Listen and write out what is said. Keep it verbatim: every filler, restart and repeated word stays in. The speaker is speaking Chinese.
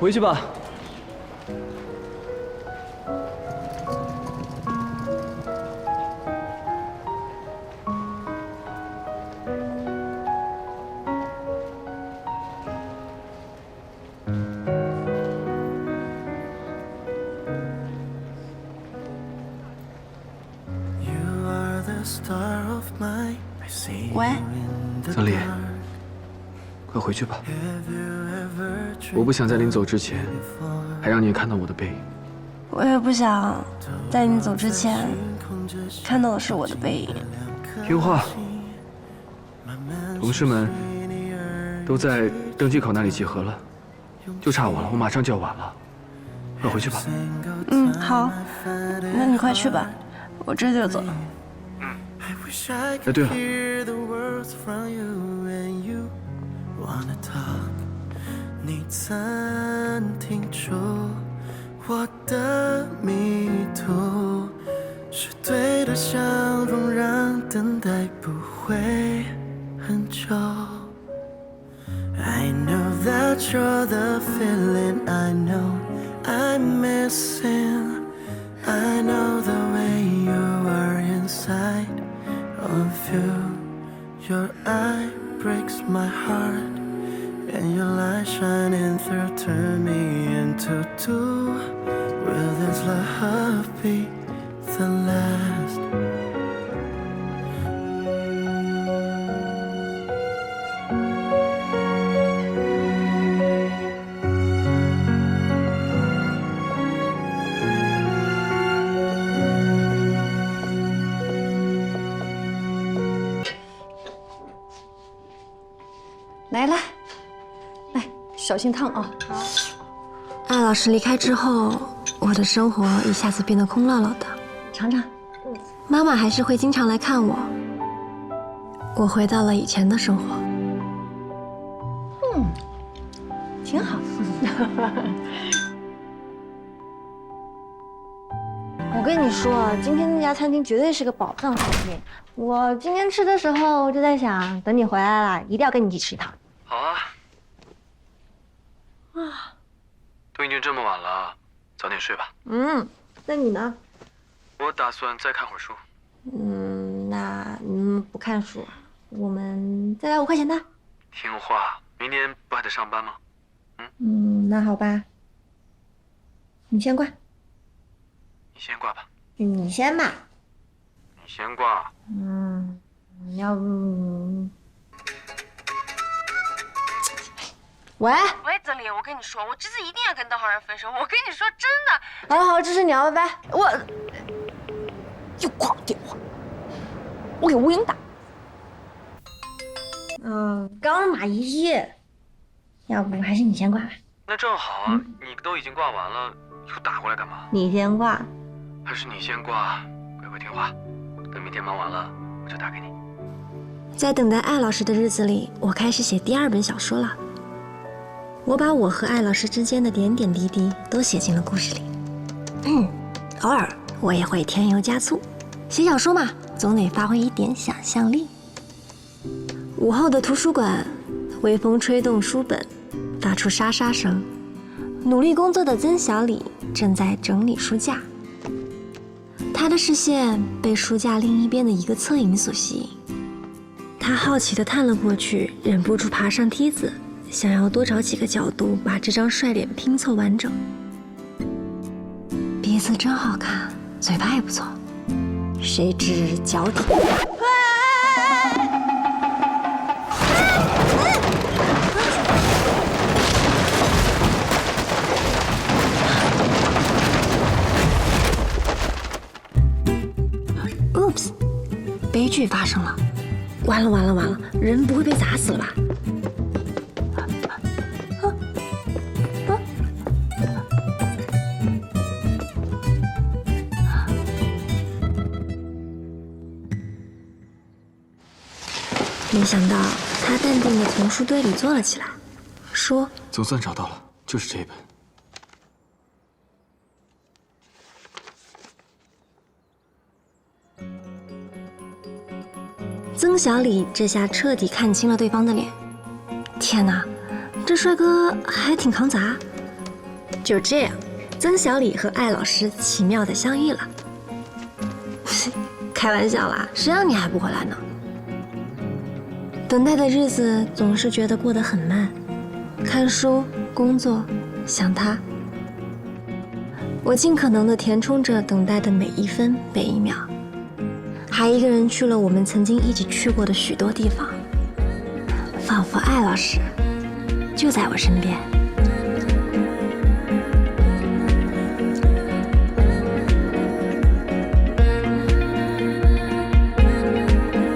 回去吧。 喂， 曾丽，快回去吧。我不想在临走之前，还让你看到我的背影。 我也不想在你走之前看到的是我的背影。 听话。同事们都在登机口那里集合了，就差我了，我马上就要晚了。快回去吧。 嗯，好，那你快去吧，我这就走。 嗯。哎，对了。 你曾听出我的迷途，是对的相逢让等待不会很久。I know that you're the feeling I know I'm missing. I know the way you are inside of you. Your eye breaks my heart.And your light shining through turn me into two. Will this love be the last? 来了，来，小心烫啊！ 好。艾老师离开之后，我的生活一下子变得空落落的。 尝尝。 嗯。妈妈还是会经常来看我。我回到了以前的生活。 嗯，挺好。我跟你说，今天那家餐厅绝对是个宝藏餐厅。我今天吃的时候就在想，等你回来了，一定要跟你一起吃一趟。 好啊。 啊， 都已经这么晚了，早点睡吧。 嗯，那你呢？ 我打算再看会儿书。 嗯，那嗯不看书，我们再来五块钱的。 听话，明天不还得上班吗？ 嗯嗯，那好吧。你先挂。 你先挂吧。 你先吧。 你先挂。 嗯，要不。喂喂，曾丽，我跟你说，我这次一定要跟邓浩然分手。我跟你说，真的。 好好，这是你要拜拜。我又挂我电话，我给吴英打。嗯，刚是马一，要不还是你先挂吧。 那正好啊，嗯、你都已经挂完了，又打过来干嘛？ 你先挂。 还是你先挂，乖乖听话。等明天忙完了，我就打给你。 在等待艾老师的日子里，我开始写第二本小说了。我把我和艾老师之间的点点滴滴都写进了故事里。嗯，偶尔我也会添油加醋。写小说嘛，总得发挥一点想象力。午后的图书馆，微风吹动书本，发出沙沙声。努力工作的曾小李正在整理书架，他的视线被书架另一边的一个侧影所吸引。他好奇地探了过去，忍不住爬上梯子，想要多找几个角度把这张帅脸拼凑完整。鼻子真好看，嘴巴也不错，谁知脚底。Oops， 悲剧发生了！完了完了完了，人不会被砸死了吧？没想到他淡定地从书堆里坐了起来，说：“ 总算找到了，就是这一本。” 曾小李这下彻底看清了对方的脸。天哪，这帅哥还挺扛砸， 就这样，曾小李和艾老师奇妙的相遇了。开玩笑啦，谁让你还不回来呢？等待的日子总是觉得过得很慢，看书、工作、想他。我尽可能的填充着等待的每一分每一秒，还一个人去了我们曾经一起去过的许多地方，仿佛艾老师就在我身边。